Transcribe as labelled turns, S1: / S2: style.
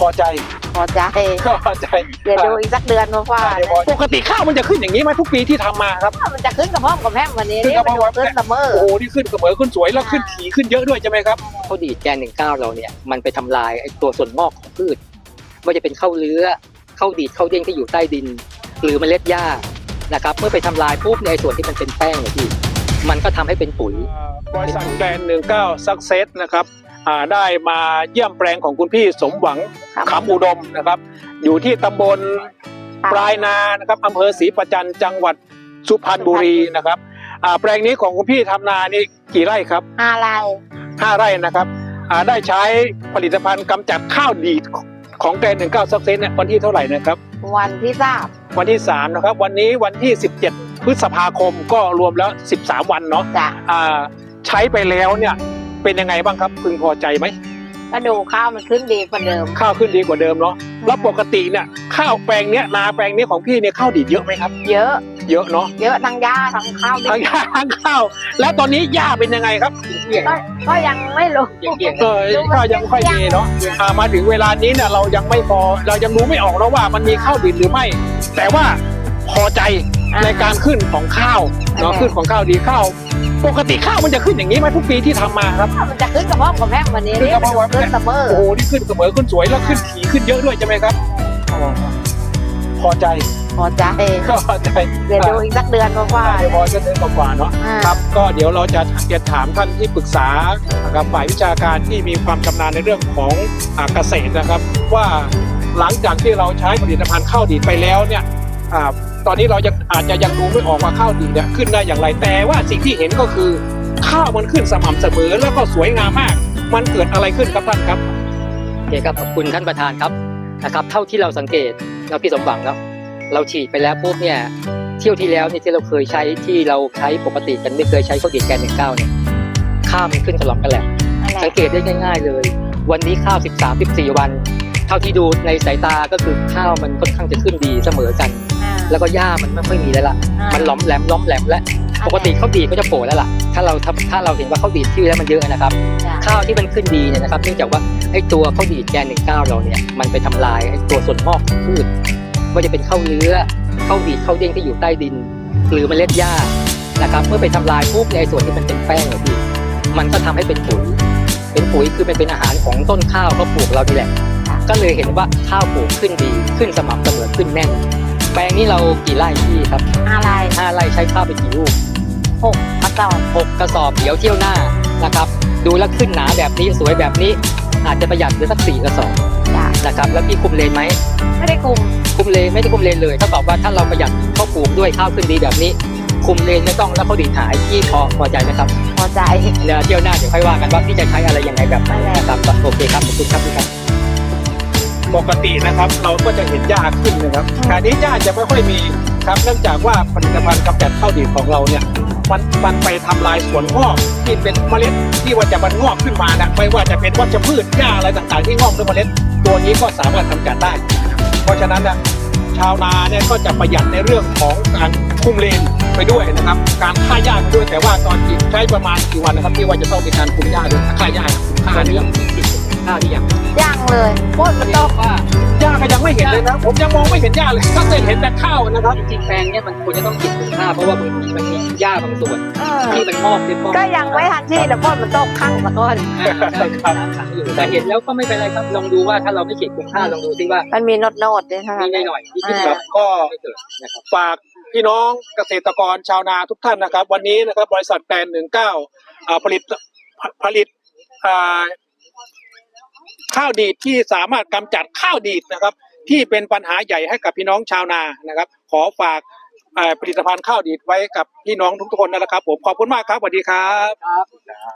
S1: พอใจ
S2: พอใจ
S1: พอใจ
S2: เดี๋ยวดูอีกสักเดือนว่า
S1: ปกติข้าวมันจะขึ้นอย่างนี้ไหมทุกปีที่ทำมาครับ
S2: มันจะขึ้นกับพ่อกับแม่วันนี้
S1: ขึ้นกับพ่อ
S2: ขึ้นเสมอ
S1: โอ้โหนี่ขึ้นเสมอขึ้นสวยแล้วขึ้นถี่ขึ้นเยอะด้วยใช่ไหมครับ
S3: ข้าวดีดแกน19เราเนี่ยมันไปทำลายไอ้ตัวส่วนงอกของพืชไม่ว่าจะเป็นข้าวเลื้อข้าวดีดข้าวเด้งที่อยู่ใต้ดินหรือเมล็ดหญ้านะครับเมื่อไปทำลายปุ๊บในส่วนที่มันเป็นแป้งเนี่ยพี่มันก็ทำให้เป็นปุ๋ย
S1: บริษัทแกรนด์19 Success นะครับได้มาเยี่ยมแปลงของคุณพี่สมหวังขำอุดมนะครับอยู่ที่ตำบลปลายนานะครับอำเภอศรีประจันจังหวัดสุพรรณบุรีนะครับแปลงนี้ของคุณพี่ทำนานี่กี่ไร่ครับ
S2: 5 ไร่
S1: 5 ไร่นะครับได้ใช้ผลิตภัณฑ์กำจัดข้าวดีดของแกรนด์19 Success เนี่ยวันที่เท่าไหร่นะครับ
S2: วันที่
S1: วันที่3นะครับวันนี้วันที่17พฤษภาคมก็รวมแล้ว13วันเนาะใช้ไปแล้วเนี่ยเป็นยังไงบ้างครับพึงพอใจไหม
S2: ก็ดูข้าวมันขึ้นดีกว่าเดิม
S1: ข้าวขึ้นดีกว่าเดิมเนาะแล้วปกติเนี่ยข้าวแปลงเนี้ยนาแปลงนี้ของพี่เนี่ยข้าวดีดเยอะไหมครับเยอะเนาะ
S2: เยอะทั้งหญ้าทั้งข้าว
S1: ทั้งหญ้าทั้งข้าวแล้วตอนนี้หญ้าเป็นยังไงครับ
S2: ก็ยังไม่รู้
S1: ก็ยังค่อยมีเนาะมาถึงเวลานี้เนี่ยเรายังไม่พอเรายังรู้ไม่ออกแล้วว่ามันมีข้าวดีดหรือไม่แต่ว่าพอใจในการขึ้นของข้าวเนาะขึ้นของข้าวดีข้าวปกติข้าวมันจะขึ้นอย่างนี้ไหมทุกปีที่ทำมาครับ
S2: มันจะขึ้นกับพ่อกับแม่วันนี้
S1: ขึ้นเสมอโอ้โหนี่ขึ้นเสมอขึ้นสวยแล้วขึ้นถี่ขึ้นเยอะด้วยใช่ไหมครับพอใจ
S2: พอใจเดี๋ยวดูอีกสักเดือนว่า
S1: เดี๋ยวพอจะเดือนกว่าเนาะครับก็เดี๋ยวเราจะถามท่านที่ปรึกษากับฝ่ายวิชาการที่มีความชำนาญในเรื่องของเกษตรนะครับว่าหลังจากที่เราใช้ผลิตภัณฑ์ข้าวดีดไปแล้วเนี่ยตอนนี้เราอาจจะยังดูไม่ออกว่าข้าวดีเนี่ยขึ้นได้อย่างไรแต่ว่าสิ่งที่เห็นก็คือข้าวมันขึ้นสม่ำเสมอแล้วก็สวยงามมากมันเกิดอะไรขึ้นครับท่านครับ
S3: โอเคครับขอบคุณท่านประธานครับนะครับเท่าที่เราสังเกตเราพี่สมหวังครับเราฉีดไปแล้วปุ๊บเนี่ยเที่ยวที่แล้วเนี่ยที่เราเคยใช้ที่เราใช้ปกติกันไม่เคยใช้ข้าวดีดแกน19เนี่ยข้าวมันขึ้นฉลองกันแหละสังเกตได้ง่ายๆเลยวันนี้ข้าว13-14 วันเท่าที่ดูในสายตาก็คือข้าวมันค่อนข้างจะขึ้นดีเสมอกันแล้วก็หญ้ามันไม่ค่อยมีแล้วล่ะมันล้อมแหลมและปกติข้าวดีดก็จะโผล่แล้วล่ะถ้าเราเห็นว่าข้าวดีดที่แล้วมันเยอะนะครับข้าวที่มันขึ้นดีเนี่ยนะครับเนื่องจากว่าไอ้ตัวข้าวดีดแกน19เราเนี่ยมันไปทำลายไอ้ตัวส่วนงอกของพืชว่าจะเป็นข้าวเลื้อข้าวดีดข้าวเด้งที่อยู่ใต้ดินหรือเมล็ดหญ้านะครับเมื่อไปทำลายปุ๊บในส่วนที่มันเป็นแป้งเนี่ยพี่มันก็ทำให้เป็นปุ๋ยคือเป็นอาหารของต้นข้าวเขาปลูกเราดีแหละก็เลยเห็นว่าข้าวปลูกขึ้นดีขึ้นสม่ำเสมอขึ้นแน่นแปลงนี้เรากี่ไร่พี่ครับ
S2: 5 ไร่
S3: ใช้ข้าวไปกี่ลูก
S2: 6 กระสอบ
S3: เดี๋ยวเที่ยวหน้านะครับดูแล้วขึ้นหนาแบบนี้สวยแบบนี้อาจจะประหยัดเหลือสัก4 กระสอบนะครับแล้วพี่คุมเลนไหม
S2: ไม่ได้คุม
S3: เลนไม่ได้คุมเลนเลยเท่ากับว่าถ้าเราประหยัดข้าวปลูกด้วยข้าวขึ้นดีแบบนี้คุมเลนไม่ต้องแล้วเขาดีดหายพี่พอใจไหมครับ
S2: พอใจ
S3: เดี๋ยวเที่ยวหน้าเดี๋ยวค่อยว่ากันว่าพี่จะใช้อะไรยังไงแบบไหนนะครับโอเคครับขอบคุณครับพี่ครับ
S1: ปกตินะครับเราก็จะเห็นหญ้าขึ้นนะครับการนี้หญ้าจะไม่ค่อยมีครับเนื่องจากว่าผลิตภัณฑ์กำจัดข้าวดีดของเราเนี่ยมันไปทำลายส่วนงอกที่เป็นเมล็ดที่ว่าจะมันงอกขึ้นมานะไม่ว่าจะเป็นวัชพืชหญ้าอะไรต่างๆที่งอกด้วยเมล็ดตัวนี้ก็สามารถกำจัดได้เพราะฉะนั้นนะชาวนาเนี่ยก็จะประหยัดในเรื่องของการคุมเลนไปด้วยนะครับการฆ่าหญ้าไปด้วยแต่ว่าตอนใช้ประมาณกี่วันนะครับที่ว่าจะต้องมีการคุมหญ้าด้วยฆ่าหญ้าเรื่อง
S3: ข้าวที่
S2: ยังเลยโคตรมันต้อง
S3: ว่า
S1: หญ้าก็ยังไม่เห็นเลยนะผมยังมองไม่เห็นหญ้าเลยก็เคยเห็นแต่ข้าวนะครับ
S3: จริงๆแปลงเนี้ยมันควรจะต้องกินคุณค่าเพราะว่ามันมีหญ้าบางส่วนที่มันงอก
S2: ก็ยังไม่ทันที่แต่โคตรมันต้องคั่งมาก่อน
S3: แต่เห็นแล้วก็ไม่เป็นไรครับลองดูว่าถ้าเราไม่ฉีดคุณค่าลองดูซิว่า
S2: มันมีโน้ตด้วย
S3: มีหน่อยที่
S1: ครับก็ฝากพี่น้องเกษตรกรชาวนาทุกท่านนะครับวันนี้นะครับบริษัทแกรนด์19ผลิตข้าวดีดที่สามารถกำจัดข้าวดีดนะครับที่เป็นปัญหาใหญ่ให้กับพี่น้องชาวนานะครับขอฝากผลิตภัณฑ์ข้าวดีดไว้กับพี่น้องทุกคนนะครับผมขอบคุณมากครับสวัสดีครับ